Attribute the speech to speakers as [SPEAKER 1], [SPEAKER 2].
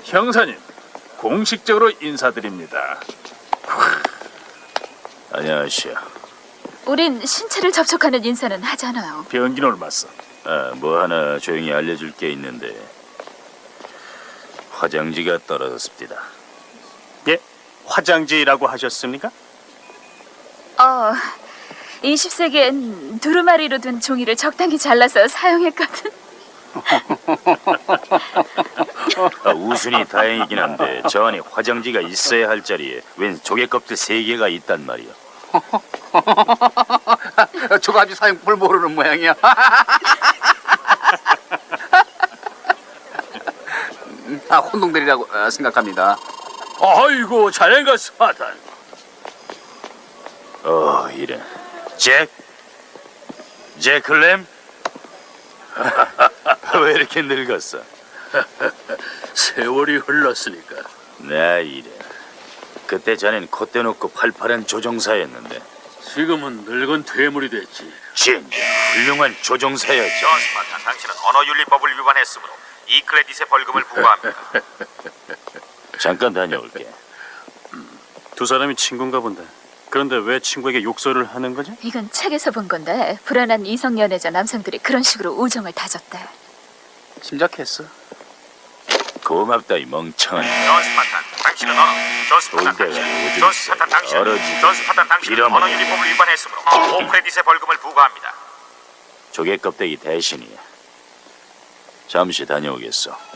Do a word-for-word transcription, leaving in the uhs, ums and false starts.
[SPEAKER 1] 형사님, 공식적으로 인사드립니다.
[SPEAKER 2] 안녕하시오.
[SPEAKER 3] 우린 신체를 접촉하는 인사는 하잖아요.
[SPEAKER 1] 변기는 올맞어.
[SPEAKER 2] 아, 뭐 하나 조용히 알려줄 게 있는데 화장지가 떨어졌습니다.
[SPEAKER 4] 예? 화장지라고 하셨습니까?
[SPEAKER 3] 어, 이십 세기엔 두루마리로 된 종이를 적당히 잘라서 사용했거든.
[SPEAKER 2] 아, 우순이 다행이긴 한데 저 안에 화장지가 있어야 할 자리에 웬 조개 껍질 세 개가 있단 말이오.
[SPEAKER 5] 저가지 사용법을 모르는 모양이야. 아, 혼동들이라고 어, 생각합니다.
[SPEAKER 1] 아이고, 자네가 사단.
[SPEAKER 2] 어, 이래. 잭? 잭클램? 왜 이렇게 늙었어?
[SPEAKER 1] 세월이 흘렀으니까.
[SPEAKER 2] 나 이래. 그때 자넨 콧대 놓고 팔팔한 조종사였는데
[SPEAKER 1] 지금은 늙은 퇴물이 됐지.
[SPEAKER 2] 진짜 훌륭한 조종사였죠.
[SPEAKER 6] 스파탄, 당신은 언어윤리법을 위반했으므로 이 크레딧의 벌금을 부과합니다.
[SPEAKER 2] 잠깐 다녀올게.
[SPEAKER 4] 두 사람이 친구인가 본데. 그런데 왜 친구에게 욕설을 하는 거지?
[SPEAKER 3] 이건 책에서 본 건데 불안한 이성 연애자 남성들이 그런 식으로 우정을 다졌대.
[SPEAKER 5] 심작했어.
[SPEAKER 2] 고맙다 이 멍청한.
[SPEAKER 6] 존 스파탄, 당신은 언어. 존 스파탄,
[SPEAKER 2] 돌대가
[SPEAKER 6] 당신.
[SPEAKER 2] 오줌
[SPEAKER 6] 존
[SPEAKER 2] 싸.
[SPEAKER 6] 스파탄, 당신.
[SPEAKER 2] 얼어지게.
[SPEAKER 6] 존 스파탄, 당신은
[SPEAKER 2] 빌어먹어.
[SPEAKER 6] 언어윤리법을 위반했으므로 오 크레딧의 벌금을 부과합니다.
[SPEAKER 2] 조개 껍데기 대신이야. 잠시 다녀오겠어.